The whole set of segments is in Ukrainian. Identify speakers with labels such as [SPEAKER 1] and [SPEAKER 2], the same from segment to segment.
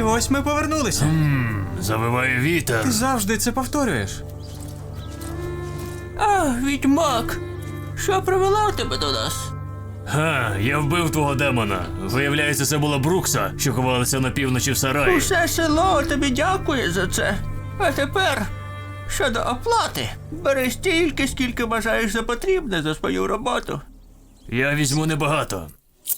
[SPEAKER 1] ось ми повернулися.
[SPEAKER 2] Завиває вітер.
[SPEAKER 1] Ти завжди це повторюєш.
[SPEAKER 3] Відьмак! Що привело тебе до нас?
[SPEAKER 2] Я вбив твого демона. Виявляється, це була Брукса, що ховалася на півночі в сараї.
[SPEAKER 3] Усе село тобі дякує за це. А тепер, щодо оплати, бери стільки, скільки вважаєш за потрібне за свою роботу.
[SPEAKER 2] Я візьму небагато.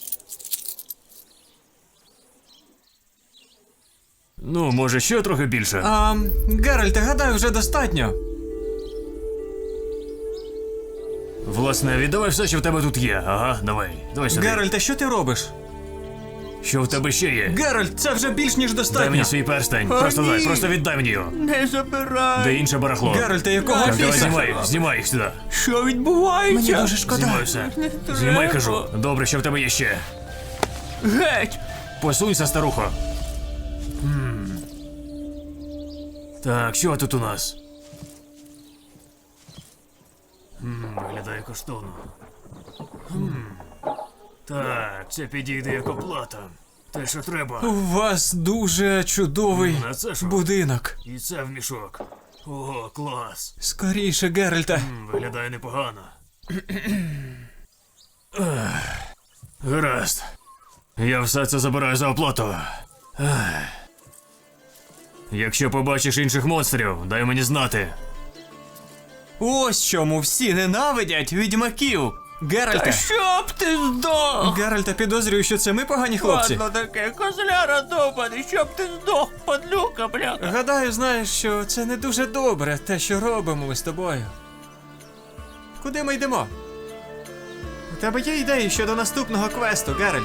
[SPEAKER 2] Ну, може, ще трохи більше.
[SPEAKER 1] Геральте, гадаю, вже достатньо.
[SPEAKER 2] Власне, віддавай все, що в тебе тут є. Ага, давай. Давай сюди.
[SPEAKER 1] Геральте, що ти робиш?
[SPEAKER 2] Що в тебе ще є?
[SPEAKER 1] Геральт, це вже більш ніж
[SPEAKER 2] Дай
[SPEAKER 1] достатньо.
[SPEAKER 2] мені свій перстень.
[SPEAKER 3] О,
[SPEAKER 2] Просто дай,
[SPEAKER 3] ні.
[SPEAKER 2] просто віддай мені його.
[SPEAKER 3] Не забирай.
[SPEAKER 2] Де інше барахло.
[SPEAKER 1] Геральте, якого
[SPEAKER 2] Так, давай
[SPEAKER 1] біса?
[SPEAKER 2] знімай їх сюди.
[SPEAKER 3] Що відбувається?
[SPEAKER 1] Мені дуже шкода.
[SPEAKER 2] Знімай все.
[SPEAKER 3] Не треба.
[SPEAKER 2] Знімай, кажу. Добре, що в тебе є ще.
[SPEAKER 3] Геть!
[SPEAKER 2] Посунься, старухо. Так, що тут у нас? Виглядає коштовно. Так, це підійде як оплата. Те, що треба.
[SPEAKER 1] У вас дуже чудовий
[SPEAKER 2] А це що?
[SPEAKER 1] будинок.
[SPEAKER 2] І це в мішок. Ого, клас.
[SPEAKER 1] Скоріше, Геральте.
[SPEAKER 2] Виглядає непогано. Гаразд. Я все це забираю за оплату. Якщо побачиш інших монстрів, дай мені знати.
[SPEAKER 1] Ось чому всі ненавидять відьмаків. Геральте.
[SPEAKER 3] Щоб ти здох!
[SPEAKER 1] Геральте, підозрюю, що це ми погані хлопці.
[SPEAKER 3] Ладно таке, козляра довбаний, щоб ти здох, падлюка, бляха.
[SPEAKER 1] Гадаю, знаєш, що це не дуже добре, те, що робимо ми з тобою. Куди ми йдемо? У тебе є ідеї щодо наступного квесту, Геральт?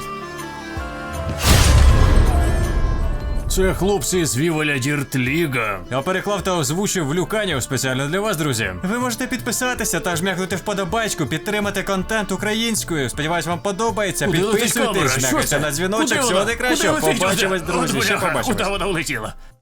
[SPEAKER 2] Це хлопці з Віволя Діртліга.
[SPEAKER 1] Я переклав та озвучив Люканів спеціально для вас, друзі. Ви можете підписатися та жмякнути вподобайку, підтримати контент українською. Сподіваюсь, вам подобається.
[SPEAKER 2] Куди летить камера?
[SPEAKER 1] Підписуйтесь,
[SPEAKER 2] Що
[SPEAKER 1] жмякайте
[SPEAKER 2] це?
[SPEAKER 1] на дзвіночок.
[SPEAKER 2] Куди
[SPEAKER 1] Всього
[SPEAKER 2] вона?
[SPEAKER 1] найкращого.
[SPEAKER 2] Куди летить?
[SPEAKER 1] Побачимось, друзі.
[SPEAKER 2] От
[SPEAKER 1] Ще
[SPEAKER 2] бляха,
[SPEAKER 1] побачимось.
[SPEAKER 2] куди вона влетіла?